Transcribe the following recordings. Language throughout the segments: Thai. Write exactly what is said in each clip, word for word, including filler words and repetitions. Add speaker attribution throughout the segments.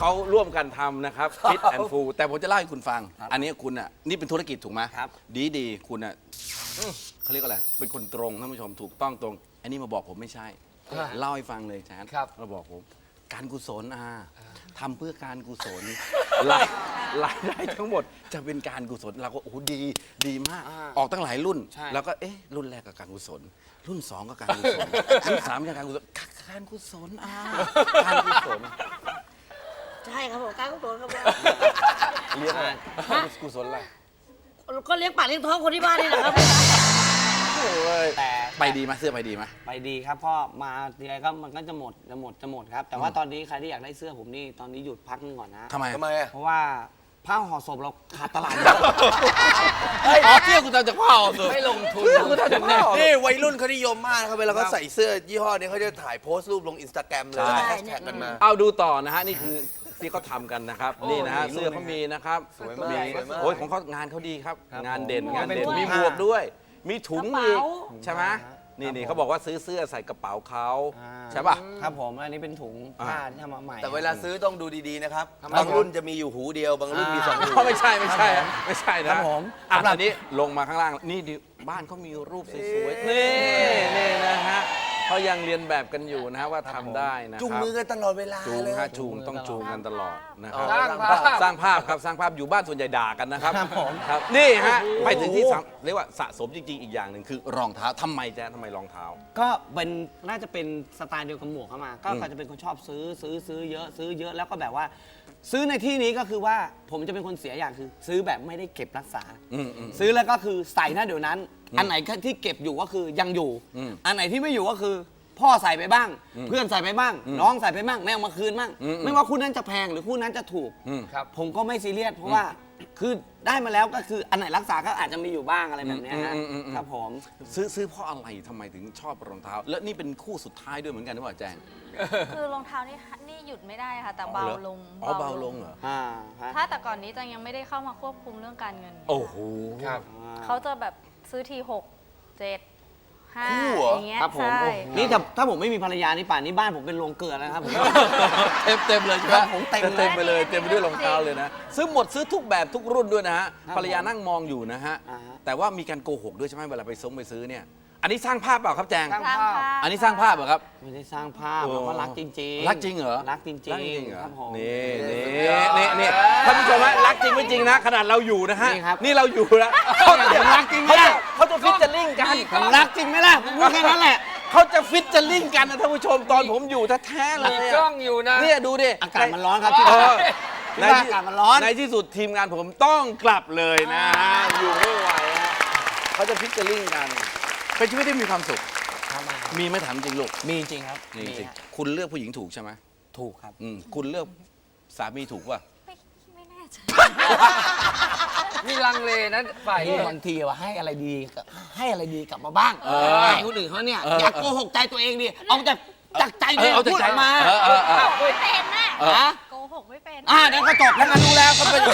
Speaker 1: เขาร่วมกันทำนะครับฟิตแอนด์ฟูแต่ผมจะเล่าให้คุณฟัง อันนี้คุณอ่ะนี่เป็นธุรกิจถูกไหมครับดีดีคุณอ่ะเขาเรียกอะไรเป็นคนตรงท่านผู้ชมถูกต้องตรงอันนี้มาบอกผมไม่ใช่เล่าให้ฟังเลยจ้ามาบอกผมการกุศลอาทำเพื่อการกุศลรายรายได้ทั้งหมดจะเป็นการกุศลเราก็โอ้ดีดีมากออกตั้งหลายรุ่นแล้วก็เอ๊ะรุ่นแรกก็การกุศลรุ่นสองก็การกุศลรุ่นสามก็การกุศลการกุศลอาการกุศล
Speaker 2: ใช่ครับผมการกุศลครับ
Speaker 1: เลี้ยงอะไรกุศลอะไร
Speaker 2: ก็เลี้ยงปากเลี้ยงท้องคนที่บ้านนี่แหละครับ
Speaker 3: แต่
Speaker 1: ไปดีไหมเสื้อไปดีไหม
Speaker 3: ไปดีครับพ่อมาทีไรก็มันก็จะหมดจะหมดจะหมดครับแต่ว่าตอนนี้ใครที่อยากได้เสื้อผมนี่ตอนนี้หยุดพักนึงก่อนนะ
Speaker 1: ทำไม
Speaker 4: ทำไมอ่ะ
Speaker 3: เพราะว่าผ้าห่อศพเราขาดตลาด
Speaker 1: อ๋อเสื้อคุณทำจากผ้าห่อศพ
Speaker 3: ไม่ลงทุน
Speaker 1: เสื้อคุณทำจากผ้าห่อศพ
Speaker 4: นี่วัยรุ่นเขานิยมมากนะครับเวลาเขาใส่เสื้อยี่ห้อนี้เขาจะถ่ายโพสต์รูปลงอินสตาแกรมเลยแฮชแท็กกันมา
Speaker 1: เอาดูต่อนะฮะนี่คือที่เขาทำกันนะครับนี่นะฮะเสื้อเขามีนะครับ
Speaker 4: สวยมาก
Speaker 1: โอ้ยของเขางานเขาดีครับงานเด่นงานเด่นมีหมวกด้วยมีถุงอีกใช่ไหมนี่นี่เขาบอกว่าซื้อเสื้อใส่กระเป๋าเขาใช่ป่ะ
Speaker 3: ครับผมอันนี้เป็นถุงผ้าที่ทำมาใหม่
Speaker 4: แต่เวลาซื้อต้องดูดีๆนะครับบางรุ่นจะมีอยู่หูเดียวบางรุ่นมีสองหู
Speaker 1: ไม่ใช่ไม่ใช่ไม่ใช่นะครับผมอันนี้ลงมาข้างล่างนี่บ้านเขามีรูปสวยๆนี่นี่นะฮะเขายังเรียนแบบกันอยู่นะฮะว่าทำได้นะครับ
Speaker 4: จูงมือกันตลอดเวลา
Speaker 1: จูง
Speaker 4: เลย
Speaker 1: ฮะจูงต้องจูงกันตลอดนะครับ
Speaker 3: สร้างภาพ
Speaker 1: สร้างภาพครับสร้างภาพอยู่บ้านส่วนใหญ่ด่ากันนะครับครับนี่ฮะไปถึงที่เรียกว่าสะสมจริงๆอีกอย่างหนึ่งคือรองเท้าทำไมจ๊ะทำไมรองเท้า
Speaker 3: ก็เป็นน่าจะเป็นสไตล์เดียวกับหมวกเข้ามาก็เขาจะเป็นคนชอบซื้อซื้อซื้อเยอะซื้อเยอะแล้วก็แบบว่าซื้อในที่นี้ก็คือว่าผมจะเป็นคนเสียอย่างคือซื้อแบบไม่ได้เก็บรักษาซื้อแล้วก็คือใส่หน้าเดี๋ยวนั้นอันไหนที่เก็บอยู่ก็คือยังอยู่อันไหนที่ไม่อยู่ก็คือพ่อใส่ไปบ้างเพื่อนใส่ไปบ้างน้องใส่ไปบ้างแม่เอามาคืนบ้างไม่ว่าคู่นั้นจะแพงหรือคู่นั้นจะถูกผมก็ไม่ซีเรียสเพราะว่าคือได้มาแล้วก็คืออันไหนรักษาก็อาจจะมีอยู่บ้างอะไรแบบนี้ครับผม
Speaker 1: ซื้อซื้อเพราะอะไรทำไมถึงชอบรองเท้าและนี่เป็นคู่สุดท้ายด้วยเหมือนกันหรือเปล่าแจง
Speaker 5: คือรองเท้านี่นี่หยุดไม่ได้ค่ะแต่เบาลง
Speaker 1: อ๋อเบาลงเหรอ
Speaker 5: ถ้าแต่ก่อนนี้จังยังไม่ได้เข้ามาควบคุมเรื่องการเงิน
Speaker 1: โอ้โห
Speaker 5: เขาจะแบบซื้อทีหกเจ็ดห้าอย่างเงี้ย
Speaker 3: ใช่นี่ถ้าถ้าผมไม่มีภรรยานี่ป่านนี้บ้านผมเป็นโรงเกลือแล้วครับผม
Speaker 1: เต็มเต็มเลยใช่ไหมผมเต็มเต็มไปเลยเต็มไปด้วยรองเท้าเลยนะซื้อหมดซื้อทุกแบบทุกรุ่นด้วยนะฮะภรรยานั่งมองอยู่นะฮะแต่ว่ามีการโกหกด้วยใช่ไหมเวลาไปซื้อไปซื้อเนี่ยอันนี้สร้างภาพเปล่าครับแจง
Speaker 5: สร้างภาพ
Speaker 1: อันนี้สร้างภาพเหรอครับ
Speaker 3: ไม่ได้สร้างภาพเราก็รักจริง
Speaker 1: ๆรักจริงเหรอ
Speaker 3: รักจริงจริงครับผม
Speaker 1: นี่นี่นี่นี่ท่านผู้ชมฮะรักจริงไม่จริงนะขนาดเราอยู่นะฮะนี่เราอยู่แล้ว
Speaker 3: เขาจะรักจริงไหมล่ะ
Speaker 1: เขาจะฟิชเจอริ่งกัน
Speaker 3: ผมรักจริงไหมล่ะผมพูดแค่นั้นแหละ
Speaker 1: เขาจะฟิชเจอริ่งกันนะท่านผู้ชมตอนผมอยู่แท้ๆเลย
Speaker 3: กล้องอยู่นะ
Speaker 1: เนี่ยดูดิ
Speaker 3: อากาศมันร้อนครับที่ในอากาศมันร้อน
Speaker 1: ในที่สุดทีมงานผมต้องกลับเลยนะอยู่ไม่ไหวฮะเขาจะฟิชเจอริ่งกันเป็นชีวิตที่มีความสุขมีไม่ถามจริงลูก
Speaker 3: มีจริงครับ
Speaker 1: มีจริงคุณเลือกผู้หญิงถูกใช่ไหม
Speaker 3: ถูกครับ
Speaker 1: คุณเลือกสามีถูกป่ะ
Speaker 5: ไม่แน่ใจ
Speaker 3: มีลังเลนะฝ่ายบางทีว่าให้อะไรดีให้อะไรดีกลับมาบ้างให้คนอื่นเขาเนี่ยอยากโกหกใจตัวเองดิเอาจากจากใจตัวเองพูดออกมา
Speaker 5: ไม่เป็นนะโกหกไม่เป็น
Speaker 3: อ่านั่นก็จบแล้วกันรู้แล้วก็เป็น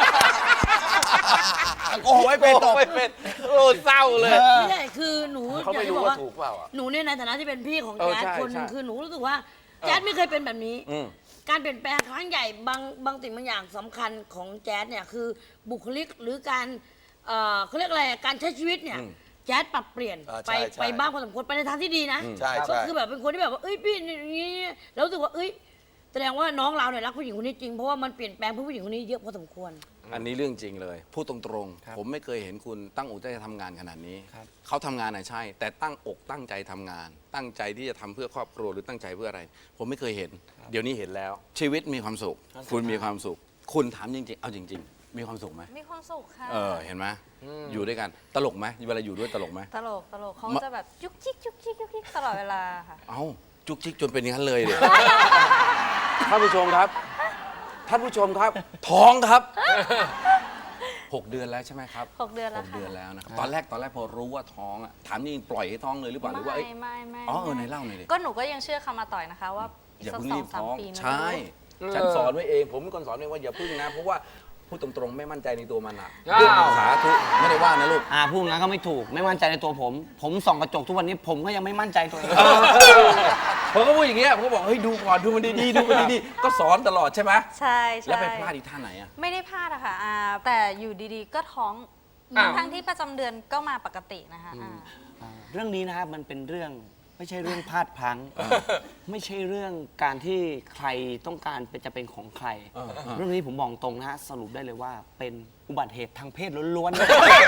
Speaker 3: โกหกไม่เป็นจบ
Speaker 1: ไม่เป็นโอ้เศร้าเลย
Speaker 2: ไม่ใช่คือหนู
Speaker 1: เขาไม่รู้ว่าถูกเปล่า
Speaker 2: หนูเนี่ยในฐานะที่เป็นพี่ของแจ๊ดคนนึงคือหนูรู้สึกว่าแจ๊ดไม่เคยเป็นแบบนี้การเปลี่ยนแปลงครั้งใหญ่บางบางสิ่งบางอย่างสำคัญของแจ๊ดเนี่ยคือบุคลิกหรือการเขาเรียกอะไรการใช้ชีวิตเนี่ยแจ๊ดปรับเปลี่ยนไปไปบ้างพอสมควรไปในทางที่ดีนะก็คือแบบเป็นคนที่แบบว่าเอ้ยพี่อย่างนี้แล้วรู้สึกว่าเอ้ยแสดงว่าน้องเราเนี่ยรักผู้หญิงคนนี้จริงเพราะว่ามันเปลี่ยนแปลงผู้หญิงคนนี้เยอะพอสมควร
Speaker 1: อันนี้เรื่องจริงเลยพูดตรงๆผมไม่เคยเห็นคุณตั้งอกตั้งใจทำงานขนาดนี้เขาทำงานน่ะใช่แต่ตั้งอกตั้งใจทำงานตั้งใจที่จะทำเพื่อครอบครัวหรือตั้งใจเพื่ออะไรผมไม่เคยเห็นเดี๋ยวนี้เห็นแล้วชีวิตมีความสุขคุณมีความสุขคุณถามจริงๆเอาจริงๆมีความสุขไหม
Speaker 5: มีความสุขค่ะ
Speaker 1: เออเห็นไหมอยู่ด้วยกันตลกไหมเวลาอยู่ด้วยตลกไหม
Speaker 5: ตลกตลกเขาจะแบบจุกจิกจุกจิกจุกจิกตลอดเวลาค่ะ
Speaker 1: เอ้าจุกจิกจนเป็นอย่างนั้นเลยเดี๋ยวท่านผู้ชมครับท่านผู้ชมครับท้องครับหกเดือนแล้วใช่ไหมครับ
Speaker 5: หกเดือนแล้ว
Speaker 1: หกเดือนแล้วนะครับตอนแรกตอนแรกพอรู้ว่าท้องอ่ะถามนี่ปล่อยให้ท้องเลยหรือเปล่าหรือว่า
Speaker 5: ไม่ไม่ไม่
Speaker 1: อ๋อเออไหนเล่าหน่อยดิ
Speaker 5: ก็หนูก็ยังเชื่อคำมาต่อยนะคะว่า
Speaker 1: อย่าเพิ่งรีบท้องใช่ฉันสอนไว้เองผมเป็นคนสอนเองว่าอย่าพึ่งนะเพราะว่าพูดตรงๆไม่มั่นใจในตัวมันอ่ะสาธุไม่ได้ว่านะลูก
Speaker 3: อ่าพูดงั้นก็ไม่ถูกไม่มั่นใจในตัวผมผมส่องกระจกทุกวันนี้ผมก็ยังไม่มั่นใจตัวเอง
Speaker 1: ผมก็พูดอย่างเงี้ยผมก็บอกเฮ้ยดูก่อนดูมันดีๆดูมันดีๆก็สอนตลอดใช่ไหม
Speaker 5: ใช่ใช่
Speaker 1: แล้วไปพลาดอีกท่าไหนอ่ะ
Speaker 5: ไม่ได้พลาดอะค่ะอ่าแต่อยู่ดีๆ ก็ท้อง
Speaker 6: อ้าว
Speaker 5: ทั้งที่ประจำเดือนก็มาปกตินะคะอ่า
Speaker 3: อ่าเรื่องนี้นะครับมันเป็นเรื่องไม่ใช่เรื่องพลาดพลั้ง ไม่ใช่เรื่องการที่ใครต้องการเป็นจะเป็นของใคร เรื่องนี้ผมบอกตรงนะฮะสรุปได้เลยว่าเป็นอุบัติเหตุทางเพศล้วนๆ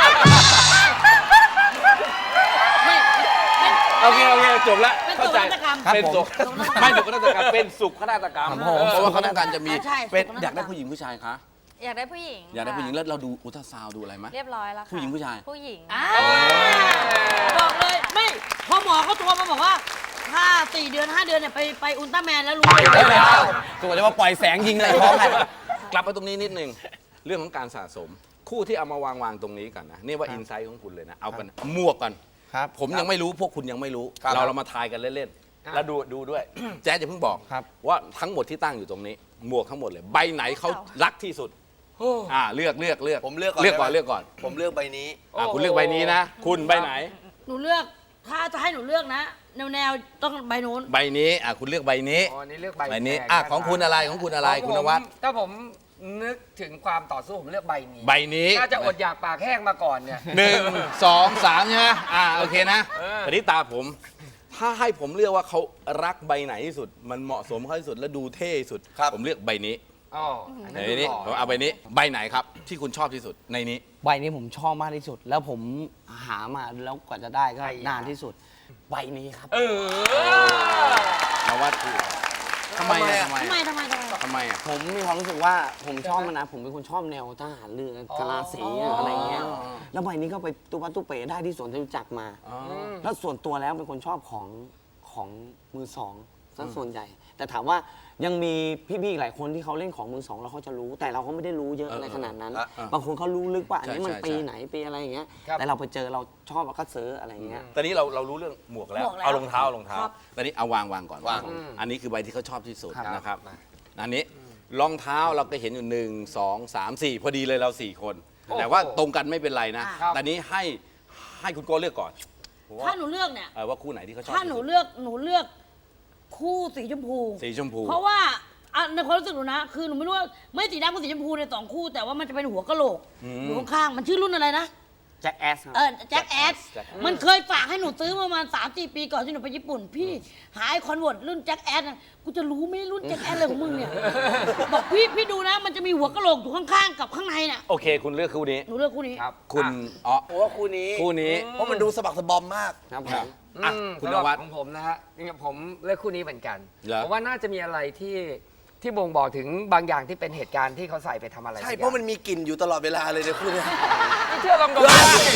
Speaker 2: ไม่ไม่
Speaker 1: โอเคโอเคจบแล้ว
Speaker 2: เป็น
Speaker 1: เข้าใจ
Speaker 2: โศกนาฏกรรม
Speaker 1: เป็นสุข
Speaker 2: ครับผม
Speaker 1: ไม่สุขนาฏกรรมเป็นสุขนาฏกรรม
Speaker 3: ครับผม
Speaker 1: เพราะว่าเขาต้องการจะมี
Speaker 2: ใช่
Speaker 1: เป็น
Speaker 2: สุขนาฏกรรม
Speaker 1: อยากได้ผู้หญิงผู้ชายคะ
Speaker 5: อยากได้ผู้หญิง
Speaker 1: อยากได้ผู้หญิง
Speaker 5: ค่ะ
Speaker 1: แล้วเราดูอุลตราซาวด์ดูอะไรไหม
Speaker 5: เรียบร้อยแล้วค่ะ
Speaker 1: ผู้หญิงผู้ชาย
Speaker 5: ผู้หญิง
Speaker 2: อ่าบอกเลยไม่พอหมอเขาโทรมาบอกว่า ถ้าสี่เดือนห้าเดือนเนี่ยไปไปอุลตร้าแมนแล้วรู้เลย
Speaker 3: ตัวจะมาปล่อยแสงยิงเลยท้องกัน
Speaker 1: กลับมาตรงนี้นิดนึงเรื่องของการสะสม คู่ที่เอามาวางวางๆตรงนี้กันนะนี่ว่าอินไซต์ของคุณเลยนะเอากันหมวกกัน
Speaker 3: ครับ
Speaker 1: ผมยังไม่รู้พวกคุณยังไม่รู้
Speaker 4: ครับ
Speaker 1: เราเรามาทายกันเล่นๆแล้วดูดูด้วย แจ๊ดอย่าเพิ่งบอก
Speaker 3: ครับ
Speaker 1: ว่าทั้งหมดที่ตั้งอยู่ตรงนี้ หมวกทั้งหมดเลยใบไหนเขารักที่สุดอ่าเลือกเลือกเลือก
Speaker 4: ผมเลือกก่อน
Speaker 1: เลือกก่อน
Speaker 4: ได้ไหม
Speaker 1: เลือกก่อน
Speaker 4: ผมเลือกใบนี้
Speaker 1: อ่าคุณเลือกใบนี้นะ คุณใบไหน
Speaker 2: หนูเลือกถ้าจะให้หนูเลือกนะ แนวแนวๆต้องใบนู้น
Speaker 1: ใบนี้อ่าคุณเลือกใบนี้
Speaker 6: อ๋อนี่เลือกใบ
Speaker 1: ใบนี้
Speaker 6: แด
Speaker 1: อ่ะ
Speaker 6: นะ
Speaker 1: ของคุณอะไรของคุณอะไร
Speaker 6: ขง
Speaker 1: คุณ
Speaker 6: ผม
Speaker 1: นวัด
Speaker 6: ถ้าผมนึกถึงความต่อสู้ผมเลือกใบนี้
Speaker 1: ใบนี้
Speaker 6: น่าจะอดอยากปากแห้งมาก่อนเนี่ย
Speaker 1: หนึ่งสองสามใช่ไหมอ่าโอเคนะ
Speaker 6: เออ
Speaker 1: ทีนี้ตาผม ถ้าให้ผมเลือกว่าเขารักใบไหนที่สุด มันเหมาะสมเขาที่สุดและดูเท่ที่สุด
Speaker 4: ครับ
Speaker 1: ผมเลือกใบนี้
Speaker 6: อ๋ออันนั้น
Speaker 1: ในนี้
Speaker 6: ดูห
Speaker 1: ผม
Speaker 6: ล่อ
Speaker 1: เอาใบนี้ใบไหนครับ ที่คุณชอบที่สุดในนี้
Speaker 3: ใบนี้ผมชอบมากที่สุด แล้วผมหามาแล้วกว่าจะได้ก็
Speaker 6: ไอ้ยา
Speaker 3: นานที่สุด ใบนี้ครับ
Speaker 6: เออ
Speaker 1: นวัดถูกทำไมอะทำไม
Speaker 2: ทำไม
Speaker 1: อะ
Speaker 2: ทำไมทำไม
Speaker 1: ทำไมอะ
Speaker 3: ผมมีความรู้สึกว่าผมชอบมันนะ ผมเป็นคนชอบแนวทหารเรือกะลาสีอะไรเงี้ย แล้วใบนี้ก็ไปตุ๊ปัตตุ๊เป๋ได้ที่สวนจตุจักรมา แล้วส่วนตัวแล้วเป็นคนชอบของของมือสองซะส่วนใหญ่ แต่ถามว่ายังมีพี่ๆอีกหลายคนที่เขาเล่นของมือสองแล้วเขาจะรู้ แต่เราก็ไม่ได้รู้เยอะอะไรขนาดนั้น
Speaker 4: อ่ะ
Speaker 3: บางคนเขารู้ลึกว่าอันนี้
Speaker 1: ใช่
Speaker 3: มัน
Speaker 1: ใช่
Speaker 3: ปี
Speaker 1: ใช่
Speaker 3: ไหนปีอะไรอย่างเงี้ย
Speaker 6: ครับ
Speaker 3: แต่เราไปเจอเราชอบเราก็ซื้ออะไรเงี้ย
Speaker 1: ตอนนี้เราเรารู้เรื่องหมวกแล้ว
Speaker 2: หมวกแล้ว
Speaker 1: เอารองเท้าเอารองเท้า
Speaker 2: ครับ
Speaker 1: ตอนนี้เอาวางวางก่อน
Speaker 4: วาง
Speaker 1: ก่อนอันนี้คือใบที่เขาชอบที่สุด
Speaker 3: ครับ
Speaker 1: นะครับอันนี้รองเท้าเราก็เห็นอยู่หนึ่งสองสามสี่พอดีเลยเราสี่คน
Speaker 6: โอ้โห
Speaker 1: แต่ว่าตรงกันไม่เป็นไรนะ
Speaker 6: ครับ
Speaker 1: แต่นี้ให้ให้คุณโก้เลือกก่อน
Speaker 2: ถ้าหนูเลือกเนี่ย
Speaker 1: เออว่าคู่ไหนที่เขาชอบ
Speaker 2: ถ้าหนู
Speaker 1: ที่สุด
Speaker 2: เลือกหนูเลือกคู่สีชมพู
Speaker 1: สีชมพู
Speaker 2: เพราะว่าอ่ะในความรู้สึกหนูนะ คือหนูไม่รู้ว่าไม่สีดำกับสีชมพูในสองคู่ แต่ว่ามันจะเป็นหัวกะโหลกอยู่ข้างๆมันชื่อรุ่นอะไรนะ
Speaker 3: แจ็คแอสครับ
Speaker 2: เออแจ็คแอดมันเคยฝากให้หนูซื้อมาประมาณสามสี่ปีก่อนที่หนูไปญี่ปุ่น พี่หาไอคอนเวิร์ตรุ่นแจ็คแอดนะกูจะรู้ไหมรุ่นแจ็คแอดอะไรของมึงเนี่ยบอกพี่พี่ดูนะ มันจะมีหัวกะโหลกอยู่ข้างๆกับข้างในน่ะ
Speaker 1: โอเค คุณเลือกคู่นี้
Speaker 2: หนูเลือกคู่นี้
Speaker 6: ครับ
Speaker 1: คุณอ๋อ
Speaker 4: ผมว่าคู่นี้
Speaker 1: คู่นี้
Speaker 4: เพราะมันดูสะบักสะบอมมาก
Speaker 3: ครับผ
Speaker 1: ครับ
Speaker 3: ม
Speaker 1: อ่ะ
Speaker 6: อืม
Speaker 1: คุณน
Speaker 6: สำหรับ
Speaker 1: วัด
Speaker 6: ของผมนะฮะจริงๆผมเลือกคู่นี้เหมือนกัน
Speaker 1: เหรอ
Speaker 6: ผมว่าน่าจะมีอะไรที่ที่บ่งบอกถึงบางอย่างที่เป็นเหตุการณ์ที่เขาใส่ไปทำอะไร
Speaker 4: ใช่
Speaker 6: สักอย่ง
Speaker 4: เพราะมันมีกลิ่นอยู่ตลอดเวลาเลยในคู่เนี้ย
Speaker 6: ไม่เชื่อลองดูได้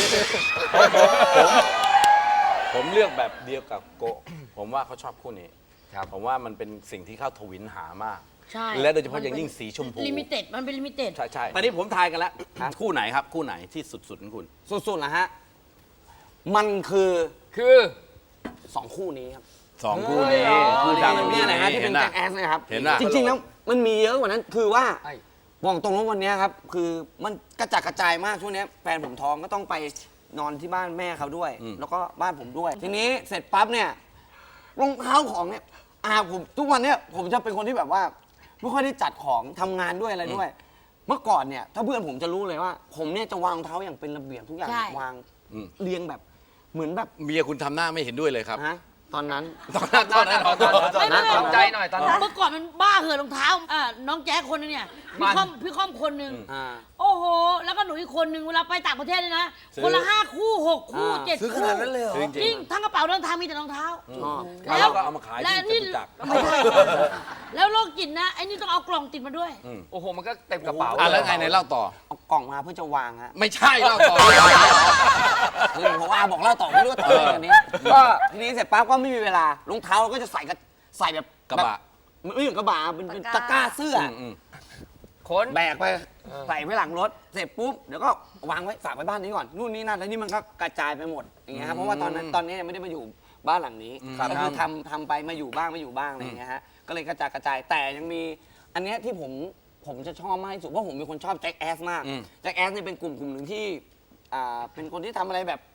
Speaker 1: ผมเลือกแบบเดียวกับโกะผมว่าเขาชอบคู่นี้
Speaker 6: ครับ
Speaker 1: ผมว่ามันเป็นสิ่งที่เขาทวินหามาก
Speaker 2: ใช่
Speaker 1: และโดยเฉพาะอย่างยิ่งสีชมพู
Speaker 2: ลิมิเต็ดมันเป็นลิมิเต็ด
Speaker 1: ใช่ใช่ตอนนี้ผมทายกันแล้ว คู่ไหนครับ คู่ไหนที่สุดๆของคุณ
Speaker 3: สุดๆนะฮะ มันคือ
Speaker 6: คือ
Speaker 3: สองคู่นี้ครับ
Speaker 1: สองคู่นี้
Speaker 6: เฮ้ย
Speaker 1: คู่
Speaker 3: นี่
Speaker 1: ดัง
Speaker 3: เนี่ยนะฮะที่เป็น
Speaker 1: ห็
Speaker 3: แจ็คแอสนะครับ
Speaker 1: เห็นน่ะ
Speaker 3: จริงๆแล้วมันมีเยอะกว่านั้นคือว่า
Speaker 6: ไอ้
Speaker 3: บอกตรงว่าวันเนี้ยครับ คือมันกระจัดกระจายมากช่วงเนี้ยแฟนผมท้องก็ต้องไปนอนที่บ้านแม่เขาด้วย แล้วก็บ้านผมด้วย ทีนี้เสร็จปั๊บเนี่ยรองเท้าของเนี่ยอาผมทุกวันเนี้ยผมจะเป็นคนที่แบบว่า ไม่ค่อยได้จัดของทำงานด้วยอะไรด้วย เมื่อก่อนเนี่ยถ้าเพื่อนผมจะรู้เลยว่า ผมเนี่ยจะวางรองเท้าอย่างเป็นระเบียบทุกอย่าง
Speaker 2: ใช่
Speaker 3: วาง
Speaker 1: อืม
Speaker 3: เรียงแบบเหมือนแบบ
Speaker 1: เมียคุณทำหน้าไม่เห็นด้วยเลยครับ
Speaker 3: ฮะตอนนั้น
Speaker 1: ตอนนั้นตอนนั้นตอนนั้นตอนนั้น
Speaker 6: ตอนใจหน่อยตอนนั้น
Speaker 2: เมื่อก่อนมันบ้าเหือะรองเท้าอ่าน้องแจ๊คคนนึงเนี่ยพี่ค่อมพี่ค่อมคนหนึ่ง
Speaker 3: อ่า
Speaker 2: โอ้โห แล้วก็หนูอีกคนนึงเวลาไปต่างประเทศเลยนะ
Speaker 1: ซื้อ
Speaker 2: คนละห้าคู่หกคู่
Speaker 3: อ่า
Speaker 2: เจ็ด
Speaker 4: ซื้อข
Speaker 2: คู่
Speaker 4: นาดนั้นเลยเหรอ
Speaker 1: จริง
Speaker 2: จริงทั้งกระเป๋าเดินทางมีแต่รองเท้า
Speaker 3: ชอบ
Speaker 1: แล้วเราก็เอามาขาย
Speaker 2: และ
Speaker 1: ที่จ
Speaker 2: นี่
Speaker 1: ตุจักร
Speaker 2: ไม่ใช่แล้วโรคจิตนะไอ้นี่ต้องเอากล่องติดมาด้วย
Speaker 6: โอ้โห มันก็เต็มกระเป๋า
Speaker 1: อ่ะแล้วไงไหนเล่าต่อ
Speaker 3: เอากล่องมาเพื่อจะวางฮะ
Speaker 1: ไม่ใช่เล่าต่อ
Speaker 3: คือผมว่าบอกเล่าต่อไม่รู้ว่าต่ออะไรกันนี้ก็ทีนี้เสร็จปั๊บก็ไม่มีเวลารองเท้าเราก็จะใส่กับใส่แบบ
Speaker 1: กระบะ
Speaker 3: แบบไม่เหมือนกระบะเป็นเป็น
Speaker 5: ตะ
Speaker 3: ตะ
Speaker 5: ก
Speaker 3: ก
Speaker 5: ร้า
Speaker 3: ร้าเสื้ออ
Speaker 1: อืม
Speaker 6: ขน
Speaker 3: แบกไปใส่ไว้หลังรถเสร็จปุ๊บเดี๋ยวก็วางไว้ฝากไว้บ้านนี้ก่อนนู่นนี่นั่นแล้วนี่มันก็กระจายไปหมดอย่างเงี้ยครับเพราะว่าตอนนั้นตอนนี้ยังไม่ได้มาอยู่บ้านหลังนี้ก็คือทำทำไปมาอยู่บ้างไม่อยู่บ้างอะไรอย่างเงี้ยฮะก็เลยกระจายกระจายแต่ยังมีอันเนี้ยที่ผมผมจะชอบมากที่สุดเพราะผมเป็นคนชอบแจ็คแอสมาก
Speaker 1: อืม
Speaker 3: แจ็คแอสเนี่ยเป็นกลุ่มกลุ่มหนึ่งที่อ่าเป็นคนที่ทำอะไรแบบ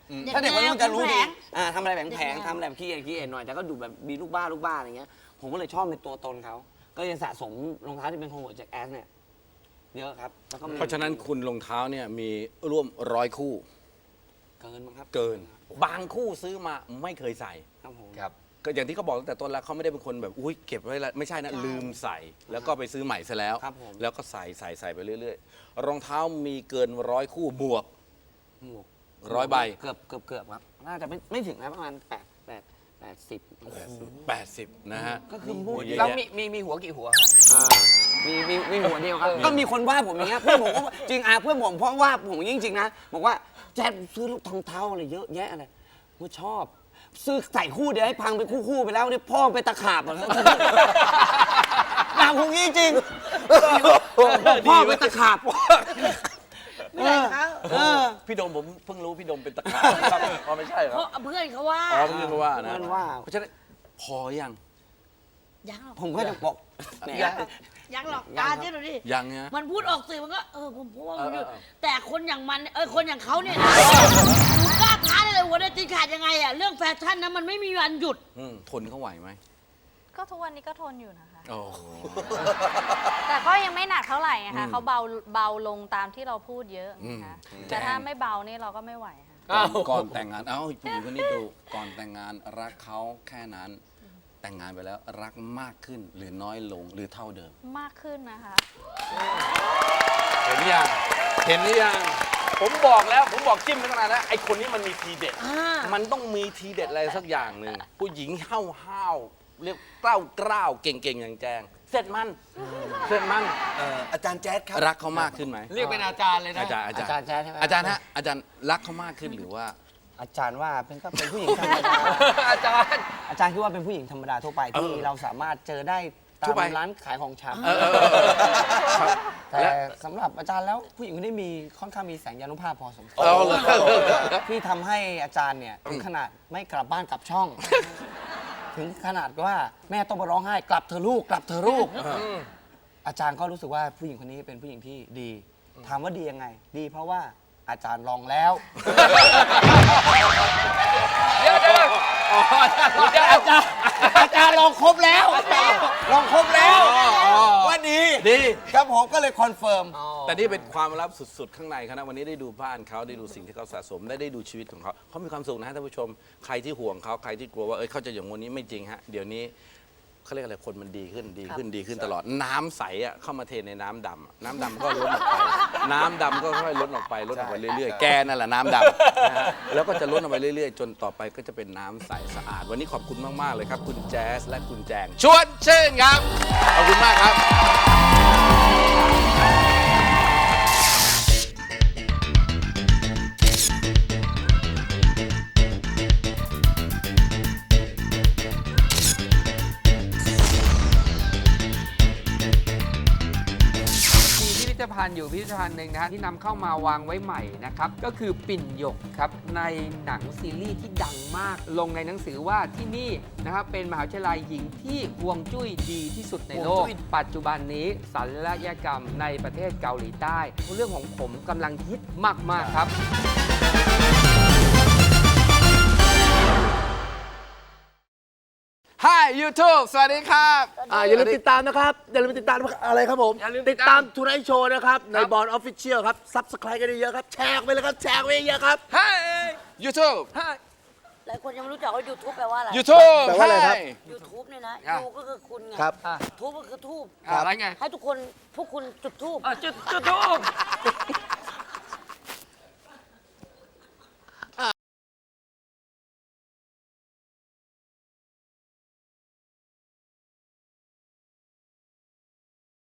Speaker 3: ถ้าเด็กวัยรุ่นจะรู้
Speaker 2: แผ
Speaker 3: ดี
Speaker 2: ง
Speaker 3: อ่าทำอะไรแผ
Speaker 2: เด็
Speaker 3: ง
Speaker 2: ก
Speaker 3: แผง
Speaker 2: แนว
Speaker 3: ทำอะไรแบบขี้เอ็นขี้เอ็นหน่อยแต่ก็ดูแบบมีลูกบ้าลูกบ้าอะไรเงี้ยผมก็เลยชอบในตัวตนเขาก็ยังสะสมรองเท้าที่เป็นของหัวแจ็คแอสเนี่ยเยอะครับแล้วก็มี
Speaker 1: เพราะฉะนั้นคุณรองเท้าเนี่ยมีร่วมร้อยคู่
Speaker 3: เกินมั้งครับ
Speaker 1: เกิน บางคู่ซื้อมาไม่เคยใส่
Speaker 3: ครับผม
Speaker 6: ครับ
Speaker 1: ก็อย่างที่เขาบอกตั้งแต่ต้นแล้วเขาไม่ได้เป็นคนแบบอุ้ยเก็บไว้แล้วไม่ใช่นะลืมใส่ แล้วก็ไปซื้อใหม่ซะแล้ว
Speaker 3: ครับผม
Speaker 1: แล้วก็ใส่ใส่ใส่ไปเรื่อยๆ รองเท้ามีเกินร้อยคู่บวก
Speaker 3: หมวก
Speaker 1: ร้อยใบ
Speaker 3: เกือบเกือบเกือบครับน่าจะไม่ไม่ถึงนะประมาณแปดแปดแปดสิบ
Speaker 1: แปดสิบนะฮะ
Speaker 3: ก็คือพูด
Speaker 1: เยอะ
Speaker 6: แล้ว
Speaker 1: แยะ
Speaker 6: มีมีมีหัวกี่หัวฮะ
Speaker 3: อ่ามีมีมีหัวเดียวครับ ก็มีคนว่าผมอย่างเงี้ยเพื่อนผมก็จริงอ่ะเพื่อนผมเพราะว่าผมจริงๆนะบอกว่าแจ๊ดซื้อรองเท้าอะไรเยอะแยะอะไรผมชอบ ซื้อใส่คู่เดียวให้พังไปคู่ๆไปแล้วเนี่ยพ่อไปตะขาบหมดแล้วด่าผมจริงๆพ่อไปตะขาบ
Speaker 2: ไม่ได้เขา
Speaker 3: เออ
Speaker 1: พี่โดมผมเพิ่งรู้พี่โดมเป็นตะขาบครับอ๋อไม่ใช่เหรอ
Speaker 2: เพราะเพื่อนเขาว่า
Speaker 1: อ๋อเพิ่งรู้ว่านะ
Speaker 3: เพื่อนว่า
Speaker 1: เพราะฉะนั้นพอยัง
Speaker 2: ยังหรอก
Speaker 3: ผมก็จะบอกแหม
Speaker 2: ยังหรอกยังหรอก
Speaker 3: ยัง
Speaker 2: ตา
Speaker 3: ครับ
Speaker 2: เจ๊ดูดิ
Speaker 1: ยังนะ
Speaker 2: มันพูดออกสื่อมันก็เออผมพูดว่ามันหยุด
Speaker 1: เออเออ
Speaker 2: แต่คนอย่างมันเออคนอย่างเขาเนี่ยนะหนูกล้าท้าได้เลยหัวได้ตีขาดยังไงอะเรื่องแฟชั่นนะมันไม่มีวันหยุด
Speaker 1: อืมทนเขาไหวไหม
Speaker 5: ก็ทุกวันนี้ก็ทนอยู่นะคะ
Speaker 1: โอ้โห
Speaker 5: แต่ก็ยังไม่หนักเท่าไหร่ไง
Speaker 1: อื
Speaker 5: คะ
Speaker 1: ม
Speaker 5: เขาเบาเบาลงตามที่เราพูดเยอะ
Speaker 1: อืม
Speaker 5: นะคะ
Speaker 1: อืม
Speaker 5: แต่ถ้าไม่เบานี่เราก็ไม่ไหวค่ะ
Speaker 1: ก่อนก่อนแต่งงานเอ้าผู้หญิงคนนี้ดูก่อนแต่งงานรักเขาแค่นั้น แต่งงานไปแล้วรักมากขึ้นหรือน้อยลงหรือเท่าเดิม
Speaker 5: มากขึ้นนะคะ
Speaker 1: เห็นยังเห็นหรือยัง ผมบอกแล้ว ผมบอกจิ้มตั้งนานแล้วไอ้คนนี้มันมีทีเด็ด
Speaker 2: อ่า
Speaker 1: มันต้องมีทีเด็ดอะไรสักอย่างหนึ่งผู้หญิงห้าวห้าวๆเรียกกล้าวกล้าวๆเก่งๆอย่างแจง เสร็จมันเสร็จมัน
Speaker 4: เอ่ออาจารย์แจ๊ดครับ
Speaker 1: รักเขามากขึ้นไหม
Speaker 6: เรียกเป็นอาจารย์เลยนะ
Speaker 1: อาจารย์อาจาร
Speaker 3: อาจารย์
Speaker 1: ย์
Speaker 3: แจ๊ดใช่ไหม
Speaker 1: อาจารย์ฮะอาจารย์รักเขามากขึ้นหรือว่า
Speaker 3: อาจารย์ว่าเป็นก็เป็นผู้หญิงธรรมดา
Speaker 6: อาจารย์
Speaker 3: อาจารย์คิดว่าเป็นผู้หญิงธรรมดาทั่วไปที่
Speaker 1: เออ
Speaker 3: เราสามารถเจอได้ตา
Speaker 1: ทั่ว
Speaker 3: ม
Speaker 1: ไป
Speaker 3: ร้านขายของช
Speaker 1: เออเออเออครับ
Speaker 3: ำแต่สำหรับอาจารย์แล้วผู้หญิงคนนี้มีค่อนข้างมีแสงยานุภาพพอสมควร
Speaker 1: เอาเลย
Speaker 3: ที่ทำให้อาจารย์เนี่ยถึงขนาดไม่กลับบ้านกลับช่อง ถึงขนาดว่าแม่ต้องมาร้องไห้กลับเธอะลูกกลับเธอะลูก อาจารย์ก็รู้สึกว่าผู้หญิงคนนี้เป็นผู้หญิงที่ดี ถามว่าดียังไง ดีเพราะว่าอาจารย์ลองแล้ว
Speaker 6: เดี๋ยวเดี๋ยวอ๋ออาจารย์เดี๋ยวอาจารย์
Speaker 3: อาจารย์ลองครบแล้ว ลองครบแล้วว่าดี
Speaker 1: ดี
Speaker 3: ครับผมก็เลยคอนเฟิร์ม
Speaker 1: แต่นี่เป็นความลับสุดๆ ข้างในเขานะวันนี้ได้ดูบ้านเขาได้ดูสิ่งที่เขาสะสมได้ได้ดูชีวิตของเขาเขามีความสุขนะฮะท่านผู้ชมใครที่ห่วงเขาใครที่กลัวว่าเอ้ยเขาจะอย่างวันนี้ไม่จริงฮะเดี๋ยวนี้เขาเรียกอะไรคนมันดีขึ้นดีขึ้นดีขึ้นตลอดน้ำใสอ่ะเข้ามาเทในน้ำดำอะน้ำดำก็ล้นออกไปน้ำดำก็ค่อยๆล้นออกไปล้นออกไปเรื่อยๆแกนั่นแหละน้ำดำนะฮะแล้วก็จะล้นออกไปเรื่อยๆ จนต่อไปก็จะเป็นน้ำใสสะอาด วันนี้ขอบคุณมากๆเลยครับ คุณแจ๊สและคุณแจงชวนชื่นครับขอบคุณมากครับ
Speaker 6: มีพิพิธภัณฑ์อยู่พิพิธภัณฑ์หนึ่งนะฮะที่นำเข้ามาวางไว้ใหม่นะครับก็คือปิ่นหยกครับในหนังซีรีส์ที่ดังมาก ลงในหนังสือว่าที่นี่นะครับเป็นมหาวิทยาลัยหญิงที่ฮวงจุ้ยดีที่สุดในโลก ปัจจุบันนี้ศัลยกรรมในประเทศเกาหลีใต้ เรื่องของผมกำลังฮิตมาก ๆ ครับ
Speaker 1: Hi YouTube สวัสดีครับ
Speaker 7: อ่าอย่าลืมติดตามนะครับ อย่าลืมติดตามอะไรครับผม
Speaker 6: อย่าลืมติ
Speaker 7: ติ
Speaker 6: ด
Speaker 7: ด
Speaker 6: ตา
Speaker 7: ตาม มทูไนท์โชว์นะครับ ในบอลออฟฟิเชียลครับซับสไครต์กันเยอะๆครับ แชร์ไปเลยครับ แชร์ไปเยอะๆครับ
Speaker 1: Hi YouTube
Speaker 2: หลายคนยังไม่รู้จักว่า YouTube แปลว่าอะไร
Speaker 1: YouTube
Speaker 7: แปลว่าอะไรครับ
Speaker 1: Hi
Speaker 2: YouTube เนี่ยนะ
Speaker 6: อ่ะ
Speaker 2: ยูก็คือคุณไง
Speaker 7: ครับ
Speaker 2: ทูบก็คือทูบ
Speaker 6: อะไรไง
Speaker 2: ให้ทุกคนพวกคุณจุดทูบ
Speaker 6: อ่ะจุดจุดทูบ